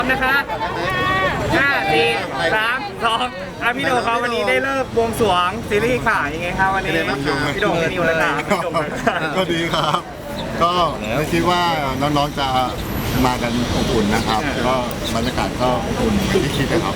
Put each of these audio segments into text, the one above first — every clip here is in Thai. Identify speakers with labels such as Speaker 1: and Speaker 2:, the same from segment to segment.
Speaker 1: นะคะ5 4 3 2พี่โดครับวันนี้ได้เลิกบวงสรวงซีรีส์ค่ะยังไงครับวันนี้พี่โดพี่นิวเลยครับพี่โด
Speaker 2: ก็ดีครับก็ไม่คิดว่าน้องๆจะมากันอบอุ่นนะครับก็บรรยากาศก็อบอุ่นที่คิดนะครับ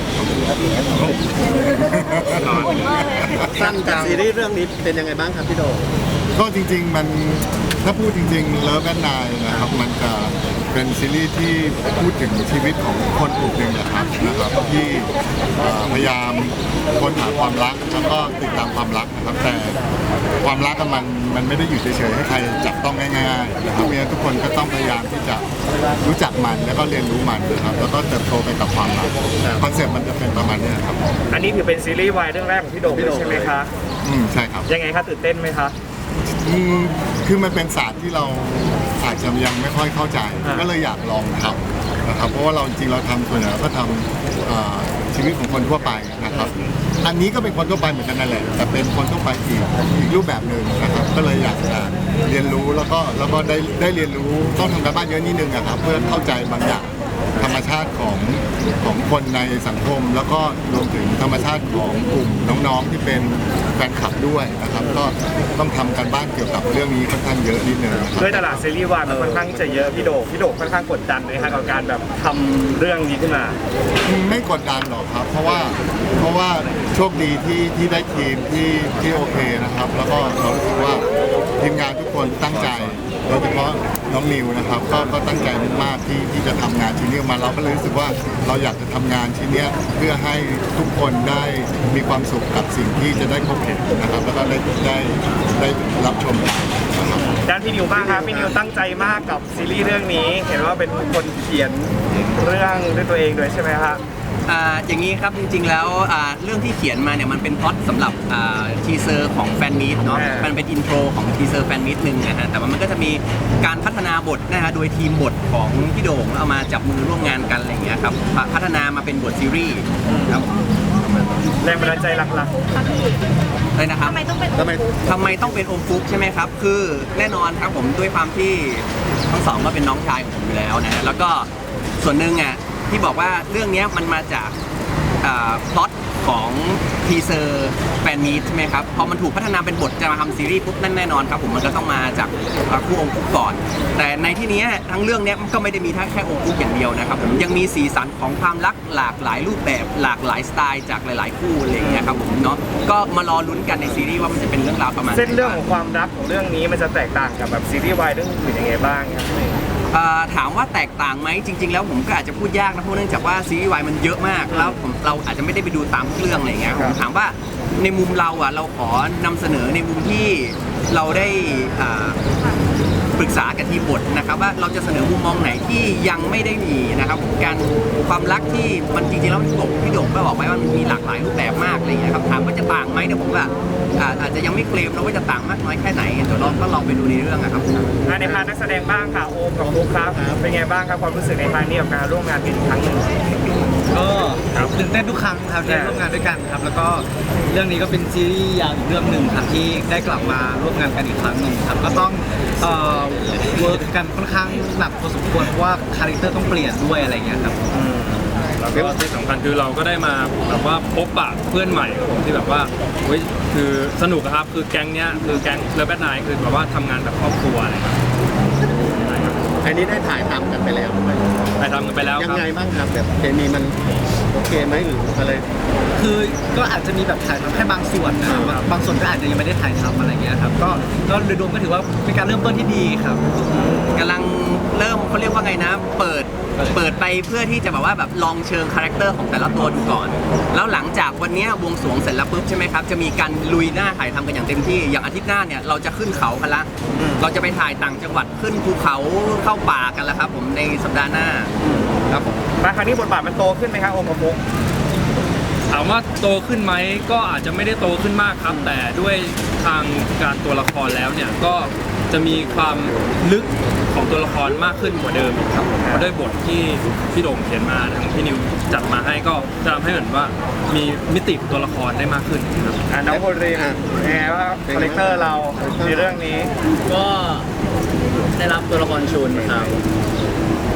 Speaker 3: สั้นจากซีรีส์เรื่องนี้เป็นยังไงบ้างครับพี่โด
Speaker 2: ก็จริงๆมันถ้าพูดจริงๆเลิฟแอนด์ไนน์นะครับมันจะเป็นซีรีส์ที่พูดถึงชีวิตของคนกลุ่มหนึ่งนะครับที่พยายามค้นหาความรักแล้วก็ติดตามความรักนะครับแต่ความรักมันไม่ได้อยู่เฉยๆให้ใครจับต้องง่ายๆนะครับเพราะฉะนั้นทุกคนก็ต้องพยายามที่จะรู้จักมันแล้วก็เรียนรู้มันนะครับแล้วก็เติบโตไปกับความรักคอนเซ็ปต์มันจะเป็นประมาณนี้ครับ
Speaker 1: อันนี้ถือเป็นซีรีส์วายเรื่องแรกของพี่โดใช่ไหมคะ
Speaker 2: ใช่ครับ
Speaker 1: ยังไงคะตื่นเต้นไหมคะ
Speaker 2: คือมันเป็นศาสตร์ที่เราอาจจะยังไม่ค่อยเข้าใจก็เลยอยากลองทำนะครับเพราะว่าเราจริงเราทำส่วนใหญ่ก็ทำชีวิตของคนทั่วไปนะครับอันนี้ก็เป็นคนทั่วไปเหมือนกันนั่นแหละแต่เป็นคนทั่วไปอีกรูปแบบหนึ่งนะครับก็เลยอยากจะเรียนรู้แล้วก็ได้เรียนรู้ต้องทำการบ้านเยอะนิดนึงนะครับเพื่อเข้าใจบางอย่างธรรมชาติของคนในสังคมแล้วก็รวมถึงธรรมชาติของกลุ่มน้องๆที่เป็นแฟนคลับด้วยนะครับก็ต้องทำการบ้านเกี่ยวกับเรื่องนี้ค่อนข้างเยอะนิดนึง
Speaker 1: ด้วยตลาดซีรีส์วายมันค่อนข้างจะเยอะพี่โดค่อนข้างกดดันเลยครับกับการแบบทำเรื่องนี้ขึ้นมา
Speaker 2: ไม่กดดันหรอกครับเพราะว่าโชคดีที่ได้ทีมที่โอเคนะครับแล้วก็เราคิดว่าทีมงานทุกคนตั้งใจโดยเฉพาะน้องนิวนะครับก็ตั้งใจมากที่จะทำงานชิ้นนี้มาเราก็เลยรู้สึกว่าเราอยากจะทำงานชิ้นนี้เพื่อให้ทุกคนได้มีความสุขกับสิ่งที่จะได้พบเห็นนะครับแล้วก็ได้รับชมกันนะครับ
Speaker 1: ด้านพี่นิวบ้างครับพี่นิวตั้งใจมากกับซีรีส์เรื่องนี้เห็นว่าเป็นคนเขียนเรื่องด้วยตัวเองด้วยใช่ไหมครับ
Speaker 4: อย่างนี้ครับจริงๆแล้วเรื่องที่เขียนมาเนี่ยมันเป็นพล็อตสำหรับทีเซอร์ของแฟนมีตเนาะมันเป็นอินโทรของทีเซอร์แฟนมีตหนึ่งนะฮะแต่ว่ามันก็จะมีการพัฒนาบทนะฮะโดยทีมบทของพี่โด่งเอามาจับมือร่วมงานกันอะไรอย่างเงี้ยครับพัฒนามาเป็นบทซีรีส์ครับ
Speaker 1: แรงบันดาลใจหลัก
Speaker 4: ๆเลยนะครับทำไมต้องเป็นโอมฟุกใช่ไหมครับคือแน่นอนครับผมด้วยความที่ทั้งสองก็เป็นน้องชายของผมอยู่แล้วนะแล้วก็ส่วนหนึ่งที่บอกว่าเรื่องนี้มันมาจากพล็อตของทีเซอร์แฟนมีตใช่ไหมครับพอมันถูกพัฒนาเป็นบทจะมาทำซีรีส์ปุ๊บนั่นแน่นอนครับผมมันก็ต้องมาจากคู่องค์ปุ๊กก่อนแต่ในที่นี้ทั้งเรื่องนี้มันก็ไม่ได้มีแค่องค์ปุ๊กอย่างเดียวนะครับผมยังมีสีสันของความรักหลากหลายรูปแบบหลากหลายสไตล์จากหลายๆคู่อะไรอย่างเงี้ยครับผมเนาะก็มารอลุ้นกันในซีรีส์ว่ามันจะเป็นเรื่องราวประมาณ
Speaker 1: เส้นเรื่องของความรักของเรื่องนี้มันจะแตกต่างกับแบบซีรีส์วายเรื่องอื่นยังไงบ้างครับ
Speaker 4: ถามว่าแตกต่างไหมจริงๆแล้วผมก็อาจจะพูดยากนะเพราะเนื่องจากว่าซีรีส์วายมันเยอะมากแล้วเราอาจจะไม่ได้ไปดูตามทุกเรื่องอะไรอย่างเงี้ยผมถามว่าในมุมเราเราขอนำเสนอในมุมที่เราได้ปรึกษากับทีมบทนะครับว่าเราจะเสนอมุมมองไหนที่ยังไม่ได้มีนะครับการความรักที่มันจริงๆแล้วพี่โด่งก็บอกไว้ว่ามันมีหลากหลายรูปแบบมากอะไรอย่างเงี้ยครับถามว่าจะต่างไหมเนี่ยผมว่าอาจจะยังไม่เคลมนะว่าจะต่างมากน้อยแค่ไหนเดี๋ยวเราก็ลองไปดูในเรื่องนะครับ
Speaker 1: ในพาร์ทนักแสดงบ้างค่ะโอมกับฟุ๊กครับเป็นไงบ้างครับความรู้สึกในพาร์ทนี้กับการร่วมงานกันอีกครั้งหนึ่ง
Speaker 5: ก็ตื่นเต้นทุกครั้งครับที่ร่วมงานด้วยกันครับแล้วก็เรื่องนี้ก็เป็นซีรีส์ยาวอีกเรื่องหนึ่งครับที่ได้กลับมาร่วมงานกันอีกครั้งหนึ่งครับก็ต้องเวิร์กกันค่อนข้างหนักพอสมควรเพราะว่าคาแรคเตอร์ต้องเปลี่ยนด้วยอะไรเงี้ยครับ
Speaker 6: แล้วก็ที่สำคัญคือเราก็ได้มาแบบว่าพบปะเพื่อนใหม่ครับผมที่แบบว่าคือสนุกครับคือแก๊งเนี้ยคือแก๊งเลิฟแบทไนท์คือแบบว่าทำงานแบบครอบครัวอะไรครับ
Speaker 3: อันนี้ได้ถ่ายทำกันไปแล้ว
Speaker 6: ถ่ายทำกันไปแล้ว
Speaker 3: ยังไงบ้างครับแบบเคมีมันโอเคไหมหรืออะไร
Speaker 5: คือก็อาจจะมีแบบถ่ายทำแค่บางส่วนนะบางส่วนก็อาจจะยังไม่ได้ถ่ายทำอะไรเงี้ยครับก็โดยรวมก็ถือว่าเป็นการเริ่มต้นที่ดีครับ
Speaker 4: กำลังเริ่มเขาเรียกว่าไงนะเปิดไปเพื่อที่จะแบบว่าแบบลองเชิงคาแรคเตอร์ของแต่ละตัวดูก่อนแล้วหลังจากวันนี้บวงสรวงเสร็จแล้วปุ๊บใช่ไหมครับจะมีการลุยหน้าถ่ายทำกันอย่างเต็มที่อย่างอาทิตย์หน้าเนี่ยเราจะขึ้นเขากันละเราจะไปถ่ายต่างจังหวัดขึ้นภูเขาเข้าป่ากันแล้วครับผมในสัปดาห์หน้าครับผม
Speaker 1: มาครั้งนี้บทบาทมันโตขึ้นไหมครับโอมกับฟุ๊ก
Speaker 6: ถามว่าโตขึ้นไหมก็อาจจะไม่ได้โตขึ้นมากครับแต่ด้วยทางการตัวละครแล้วเนี่ยก็จะมีความลึกของตัวละครมากขึ้นกว่าเดิมครับเพราะด้วยบทที่พี่โด่งเขียนมาทางพี่นิวจัดมาให้ก็จะทำให้เหมือนว่ามีมิติของตัวละครได้มากขึ้นครับ
Speaker 1: น้องโบรีนไงว่าคาแรคเตอร์เราในเรื่องนี้
Speaker 7: ก็ได้รับตัวละครชุนครับ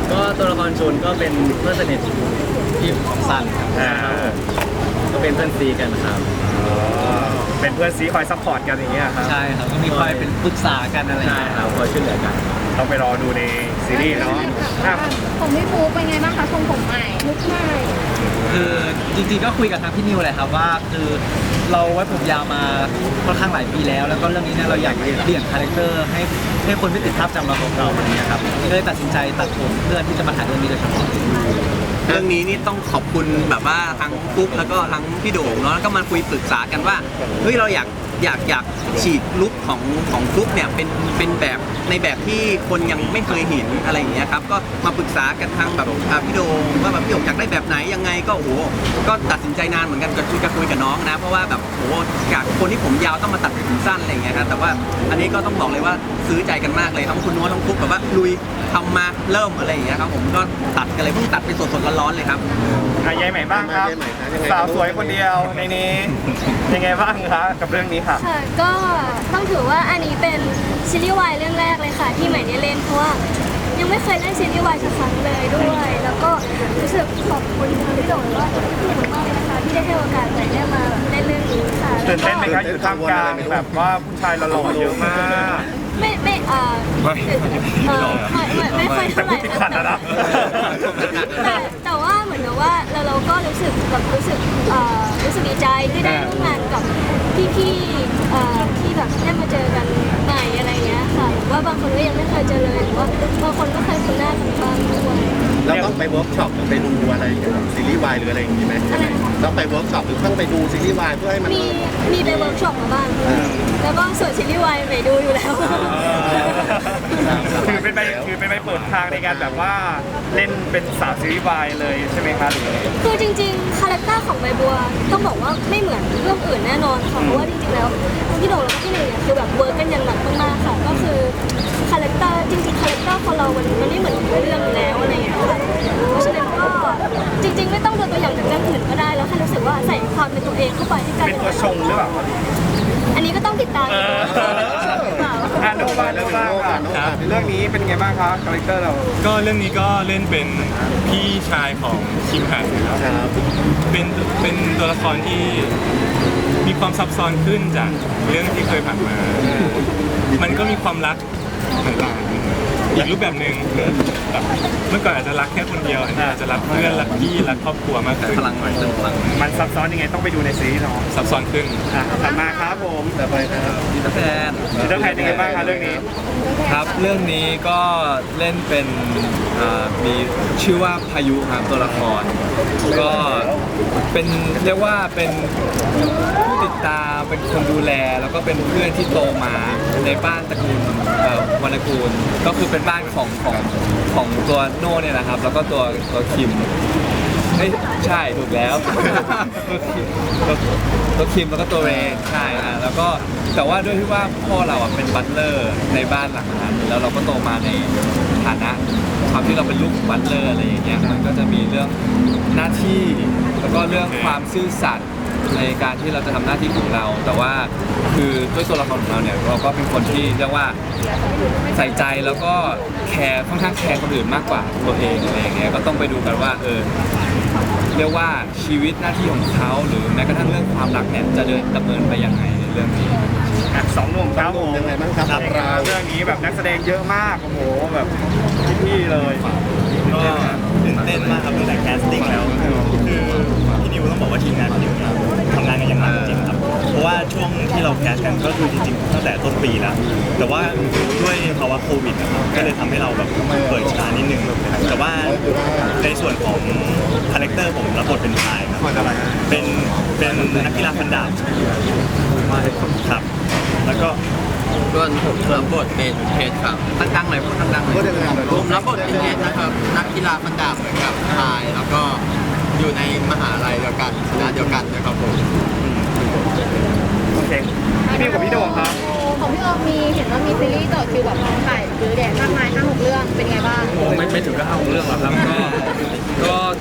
Speaker 5: ก็ตัวละครชุนก็เป็นเพื่อนสนิทที่ของซันครับก็เป็นเพื่อนซีกันครับ
Speaker 1: เป็นเพื่อนซีคอยซัพพอร์ตกันอย่างเงี้ยครับ
Speaker 5: ใช่ครับก็มีคอยเป็นปรึกษากันอะไรอย่างเงี้ยครับคอยช่วยเหลือกัน
Speaker 1: ต้องไปรอดูในซีรีส์เนาะอ่ะ
Speaker 7: ผมพี่ฟูเป็นไงบ้างคะทรงผมใหม่ลุคใหม่
Speaker 5: คือจริงๆก็คุยกับทางพี่นิวเลยครับว่าคือเราไว้ผมยาวมาค่อนข้างหลายปีแล้วแล้วก็เรื่องนี้เนี่ยเราอยากเปลี่ยนคาแรคเตอร์ให้คนไม่ติดภาพจำเราของเราแบบนี้ครับก็เลยตัดสินใจตัดผมเพื่อที่จะมาถ่ายเรื่องนี้โดยเฉพาะ
Speaker 4: เรื่องนี้นี่ต้องขอบคุณแบบว่าทั้งฟุ๊กแล้วก็ทั้งพี่โด่งเนาะแล้วก็มาคุยปรึกษากันว่าเฮ้ยเราอยากฉีกลุคของฟุ๊กเนี่ยเป็นแบบในแบบที่คนยังไม่เคยเห็นอะไรอย่างเงี้ยครับก็มาปรึกษากันทางแบบพี่โด่งว่าแบบพี่โด่งอยากได้แบบไหนยังไงก็โอ้โหก็ตัดสินใจนานเหมือนกันก็คุยกับน้องนะเพราะว่าแบบโอ้โหจากคนที่ผมยาวต้องมาตัดเป็นผมสั้นอะไรอย่างเงี้ยครับแต่ว่าอันนี้ก็ต้องบอกเลยว่าซื้อใจกันมากเลยทั้งคุณโน้ตทั้งฟุ๊กแบบว่าลุยทำมาเริ่มอะไรอย่างเงี้ยครับผมก็ตัดกันเลยเพิ่งตัดไปสดๆร้อนๆเลยครับ
Speaker 1: ยายใหม่บ้างครับ
Speaker 3: ยายใหม่ครับยังไง
Speaker 1: สาวสวยคนเดียวในนี้ยังไงบ้างคะกับเรื่องนี้ค่ะ
Speaker 7: ค่ะก็ต้องถือว่าอันนี้เป็นซีรีส์วายเรื่องแรกเลยค่ะที่ใหม่ได้เล่นเพราะว่ายังไม่เคยเล่นซีรีส์วายสักครั้งเลยด้วย แล้วก็รู้สึกขอบคุณพี่โด่งแล้วก็พี่มากเลยนะคะที่ได้ให้โอกาสใหม่ได้มาเล่นเรื่องนี้ค่ะ
Speaker 1: ตื่นเต้นไหมคะอยู่ท่ามกลางแบบว่าผู้ชายหล่อๆเยอะมาก
Speaker 7: ไม่ไม่ค่อยเท่าไหร่
Speaker 1: แต่พูดติดขัดนะ
Speaker 7: แต่ว่าเหมือนกับว่าเราก็รู้สึกดีใจที่ได้ร่วมงานกับพี่ๆที่แบบได้มาเจอกันใหม่อะไรเงี้ยค่ะหรือว่าบางคนก็ยังไม่เคยเจอเลยหรือว่าบางคนก็เคยคุ้นหน้ากันบ้างด้วย
Speaker 3: เราต้องไปเวิร์กช็อปหรือไปดูอะไรเกี่ยวกับซีรีส์วายหรืออะไรอย่างนี้ไหมต้องไปเวิร์กช็อปหรือต้องไปดูซีรีส์วายเพื่อให้มัน
Speaker 7: มีไปเวิร์กช็อปมาบ้างแล้วก็ส่วนซีรีส์วายไปดูอยู่แล้ว
Speaker 1: คือเป็นไปเปิดทางในการแบบว่าเล่นเป็นสาวซีรีส์วายเลยใช่ไหมคะหรือ
Speaker 7: คือจริงๆคาแรคเตอร์ของใบบัวต้องบอกว่าไม่เหมือนเรื่องอื่นแน่นอนค่ะเพราะว่าจริงๆแล้วทั้งพี่โด่งแล้วก็พี่หนึ่งเนี่ยคือแบบเวิร์กกันอย่างหนักมากๆค่ะก็คือคาแรคเตอร์จริงๆคาแรคเตอร์ของเรามันไม่เหมือนเรื่องอยู่แล้วอะไรอย่างเงี้ยค่ะเพราะฉะนั้นก็จริงๆไม่ต้องดูตัวอย่างจากเรื่องอื่นก็ได้แล้วแค่รู้สึกว่าใส่ความเป็นตัวเองเข้าไปที่การ
Speaker 1: เป็นตัวชงหรือเปล่า
Speaker 7: อันนี้ก็ต้องติดตาม
Speaker 1: อ่านโนบ้างค่ะเรื่องนี้เป็นไงบ้างคะคาแรคเตอร์เรา
Speaker 8: ก็เรื่องนี้ก็เล่นเป็นพี่ชายของคิมหันนะครับเป็นตัวละครที่มีความซับซ้อนขึ้นจากเรื่องที่เคยผ่านมา มันก็มีความรักต่างๆอีกรูปแบบหนึ่งแบบเมื่อก่อนอาจจะรักแค่คนเดียวอันนี้อาจจะรักเพื่อนรักพี่รักครอบครัวมากขึ้น
Speaker 4: พลังหน่อยเติมพลัง
Speaker 1: มันซับซ้อนยังไงต้องไปดูในซีรีส์เนาะ
Speaker 8: ซับซ้อนขึ้น
Speaker 1: ถัดมาครับผม
Speaker 3: แต่ไปนะครับ
Speaker 4: ดีแฟน
Speaker 1: ดิจิทัลแพนยังไงบ้างคะเรื่องนี้
Speaker 9: ครับเรื่องนี้ก็เล่นเป็นมีชื่อว่าพายุครับตัวละครก็เป็นเรียกว่าเป็นผู้ติดตามเป็นคนดูแลแล้วก็เป็นเพื่อนที่โตมาในบ้านตระกูลวรรณกูลก็คือเป็นบ้านของตัวโน่เนี่ยนะครับแล้วก็ตัวคิมใช่ถูกแล้ว ตัวคิมแล้วก็ตัวเรนใช่แล้วก็แต่ว่าด้วยที่ว่าพ่อเราเป็นบัตเลอร์ในบ้านหลังนั้นแล้วเราก็โตมาในฐานะความที่เราเป็นลูกบัตเลอร์อะไรอย่างเงี้ยมันก็จะมีเรื่องหน้าที่แล้วก็เรื่องความซื่อสัตย์ในการที่เราจะทำหน้าที่ของเรา แต่ว่าคือด้วยตัวละครของเราเนี่ยเราก็เป็นคนที่เรียกว่าใส่ใจแล้วก็แคร์ค่อนข้างแคร์คนอื่นมากกว่าตัวเองอะไรอย่างเงี้ยก็ต้องไปดูกันว่าเรียกว่าชีวิตหน้าที่ของเขาหรือแม้กระทั่งเรื่องความรักเนี่ยจะดำเนินไปยังไงในเรื่องนี้
Speaker 1: สองหนุ่มครับผม
Speaker 3: ยังไงบ้างครับเรา
Speaker 1: เรื่องนี้แบบนักแสดงเยอะมากโอ้โหแบบพี่เลย
Speaker 10: ก็ตื่นเต้นมากครับตั้งแต่แคสติ้งแล้วคือพี่นิวต้องบอกว่าทีมงานพี่นิวเนี่ยทำงานกันอย่างหนักจริงๆครับเพราะว่าช่วงที่เราแคสกันก็คือจริงๆตั้งแต่ต้นปีแล้วแต่ว่าด้วยภาวะโควิดนะครับก็เลยทำให้เราแบบเปิดช้านิดนึงแต่ว่าในส่วนของคาแรคเตอร์ผมรับบทเป็นชายครับเป็นนักกีฬาฟันดาบครับแล้วก็
Speaker 4: ส่วนผมรับบทเป็นเพชรครับตั้งๆหน่อยพูดตั้งๆหน่อยผมรับบทเป็นเพชรนะครับนักกีฬาฟันดาบเหมือนกับชายแล้วก็อยู่ในมหาลัยเดียวกันคณะเดียวกันนะครับผม
Speaker 1: โอเคพี่กับพี่โด่งครับ
Speaker 7: ของพี่ออมมีเห็นว่ามีซีรีส์ต่อคิวแบบถ่ายหรือแดดมากมาย5-6 เรื่องเป็นไงบ้าง
Speaker 6: ไม่ถึงกับ5 เรื่องหรอกครับก็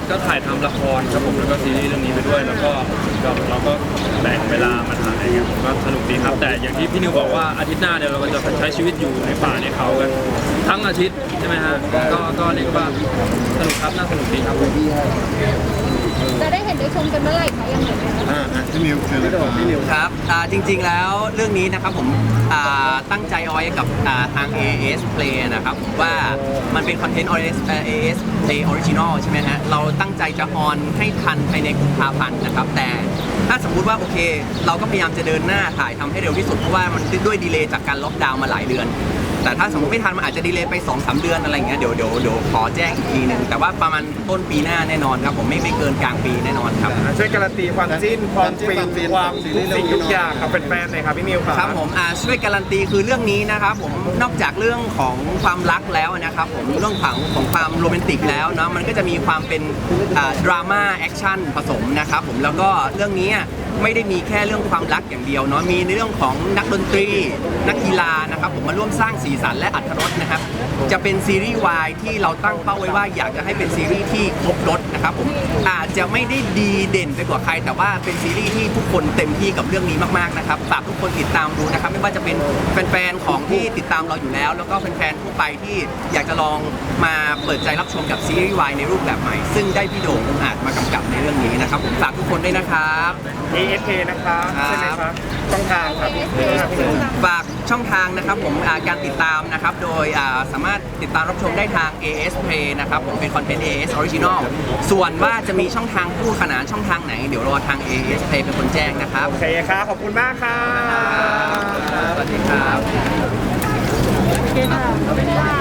Speaker 6: ก็ถ่ายทำละครครับผมแล้วก็ซีรีส์เรื่องนี้ไปด้วย แล้วก็เราก็แบ่งเวลามาถ่ายครับผมก็สนุกดีครับ แต่อย่างที่พี่นิวบอกว่าอาทิตย์หน้าเนี่ยเราก็จะใช้ชีวิตอยู่ในป่าในเขากันทั้งอาทิตย์ใช่ไหมฮะก็เรียกว่าสนุกครับน่าสนุกดีครับผม
Speaker 11: จะได้เห็นได้ชมกันเมื่อไหร่คะยังไงไหมคะ
Speaker 2: พี่นิวเชิญเลยครับ
Speaker 4: ครับจริงๆแล้วเรื่องนี้นะครับผมตั้งใจเอาไว้กับทาง AS Play นะครับผมว่ามันเป็นคอนเทนต์ AS Play Original ใช่ไหมฮะเราตั้งใจจะออนให้ทันภายในกุมภาพันธ์นะครับแต่ถ้าสมมุติว่าโอเคเราก็พยายามจะเดินหน้าถ่ายทำให้เร็วที่สุดเพราะว่ามันด้วยดีเลย์จากการล็อกดาวน์มาหลายเดือนแต่ถ้าสมมติไม่ทันมันอาจจะดีเลย์ไป 2-3 เดือนอะไรอย่างเงี้ยเดี๋ยวขอแจ้งอีกทีหนึงแต่ว่าประมาณต้นปีหน้าแน่นอนครับผมไม่เกินกลางปีแน่นอนครับ
Speaker 1: ช่วยการันตีความจิ้นความฟินความทุกสิ่งทุกอย่างกับแฟนๆหน่อยครับพี่นิวครับ
Speaker 4: ครับผมช่วยการันตีคือเรื่องนี้นะครับผมนอกจากเรื่องของความรักแล้วนะครับผมเรื่องของความโรแมนติกแล้วเนาะมันก็จะมีความเป็นดราม่าแอคชั่นผสมนะครับผมแล้วก็เรื่องนี้ไม่ได้มีแค่เรื่องความรักอย่างเดียวเนาะมีในเรื่องของนักดนตรีนักกีฬานะครับผมมาร่วมสร้างสีสันและอรรถรสนะครับจะเป็นซีรีส์วายที่เราตั้งเป้าไว้ว่าอยากจะให้เป็นซีรีส์ที่ครบรสนะครับผมอาจจะไม่ได้ดีเด่นไปกว่าใครแต่ว่าเป็นซีรีส์ที่ทุกคนเต็มที่กับเรื่องนี้มากๆนะครับฝากทุกคนติดตามดูนะครับไม่ว่าจะเป็นแฟนๆของที่ติดตามเราอยู่แล้วแล้วก็แฟนๆทั่วไปที่อยากจะลองมาเปิดใจรับชมกับซีรีส์วายในรูปแบบใหม่ซึ่งได้พี่โด่งอาจมากำกับในเรื่องนี้นะครับผมฝากทุกคนด้วยนะครับ
Speaker 1: ASK นะครับใช่ไหมครับช่องทางครับ
Speaker 4: ฝากช่องทางนะครับผมการติดตามนะครับโดยสามารถติดตามรับชมได้ทาง AS Play นะครับผมเป็นคอนเทนต์ AS Original ส่วนว่าจะมีช่องทางคู่ขนานช่องทางไหนเดี๋ยวรอทาง AS Play เป็นคนแจ้งนะครับ
Speaker 1: โอเคครับขอบคุณมากครับ
Speaker 4: สวัสดีครับ
Speaker 11: โอเคค่ะ